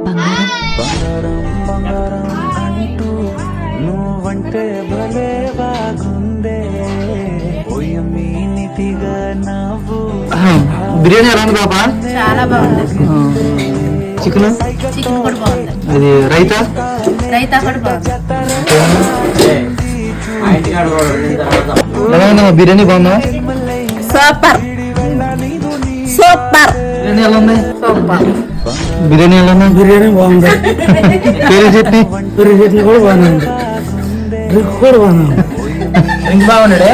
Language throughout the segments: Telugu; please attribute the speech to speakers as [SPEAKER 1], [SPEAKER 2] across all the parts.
[SPEAKER 1] నువ్వంటే భలే బాగుందే
[SPEAKER 2] బిర్యానీ ఎలా ఉంది పాపా?
[SPEAKER 3] చాలా బాగుంది.
[SPEAKER 2] చికెన్
[SPEAKER 3] చికెన్ కూడా బాగుంది.
[SPEAKER 2] అది రైతా
[SPEAKER 3] రైతా కూడా బాగుంది.
[SPEAKER 2] ఎలా ఉందమ్మా బిర్యానీ? బాగుందా?
[SPEAKER 3] Super super.
[SPEAKER 2] బిర్యానీ ఎలా ఉంది?
[SPEAKER 3] సూపర్.
[SPEAKER 2] బిర్యానీ ఎలా ఉంది?
[SPEAKER 4] బిర్యానీ బాగుంది.
[SPEAKER 2] పెరుగు చట్నీ
[SPEAKER 4] పెరుగు చట్నీ కూడా బాగానే ఉంది. డ్రింక్ కూడా బాగానే ఉంది.
[SPEAKER 2] బాగున్నాడే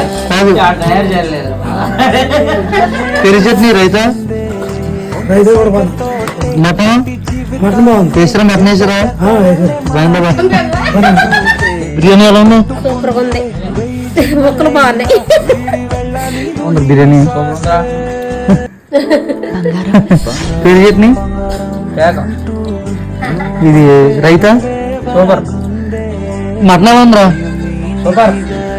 [SPEAKER 2] పెరుగు చట్నీ రైతా
[SPEAKER 4] రైతా కూడా బాగుంది.
[SPEAKER 2] మటన్
[SPEAKER 4] మటన్ బాగుంది.
[SPEAKER 2] వేసారా? మటన్ వేసారా? బాగుందా? బిర్యానీ ఎలా ఉంది?
[SPEAKER 3] సూపర్ ఉంది. ముక్కలు బాగున్నాయి.
[SPEAKER 2] బిర్యానీ పెరుగు చట్నీ ఇది రైతా
[SPEAKER 5] సూపర్.
[SPEAKER 2] మటన్ ఎలా ఉందిరా?
[SPEAKER 5] సూపర్.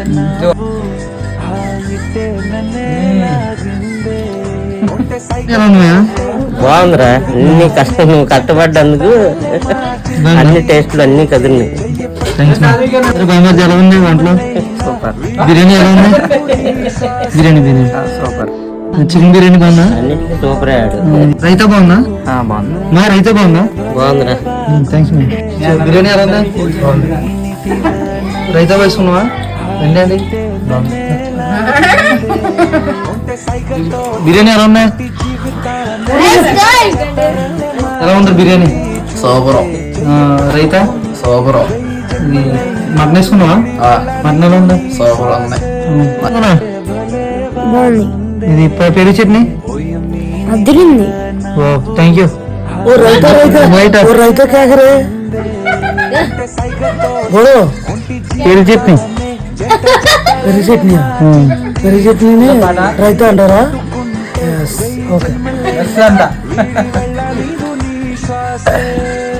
[SPEAKER 2] ఎలా ఉంది?
[SPEAKER 6] బాగుందిరా. అన్ని కష్టం, నువ్వు కష్టపడ్డందుకు అన్ని టేస్ట్లు అన్ని కదిలినాయి.
[SPEAKER 2] బాగా ఎలా ఉంది వంటలో?
[SPEAKER 6] సూపర్.
[SPEAKER 2] బిర్యానీ ఎలా ఉంది? బిర్యానీ
[SPEAKER 6] సూపర్.
[SPEAKER 2] చికెన్ బిర్యానీ బాగుందా?
[SPEAKER 6] అన్నిటికీ సూపర్ అయ్యాడు.
[SPEAKER 2] రైతా బాగుందా?
[SPEAKER 6] బాగుంది.
[SPEAKER 2] మా రైతా బాగుందా?
[SPEAKER 6] బాగుందిరా.
[SPEAKER 2] Thanks ma'am. బిర్యానీ ఎలా ఉందా? రైతా వేసుకున్నావా? రండి. బిర్యానీ ఎలా ఉన్నాయి? ఎలా ఉంది బిర్యానీ?
[SPEAKER 5] సూపర్.
[SPEAKER 2] రైతా
[SPEAKER 5] సూపర్.
[SPEAKER 2] ఇది మటన్ వేసుకున్నావా? మటన్ ఎలా ఉందా?
[SPEAKER 5] సూపర్ ఉంది.
[SPEAKER 3] బాగుంది.
[SPEAKER 2] ఇది పెరుగు చట్నీ
[SPEAKER 3] అదిరింది.
[SPEAKER 2] ఓ థ్యాంక్ యూ.
[SPEAKER 4] ఓ రైతా రైతా ఓ రైతా కేకరే బోలో
[SPEAKER 2] పెరుగు చట్నీ
[SPEAKER 4] పెరుగు చట్నీ. పెరుగు చట్నీని రైతా అంటారా? ఓకే.
[SPEAKER 5] అంట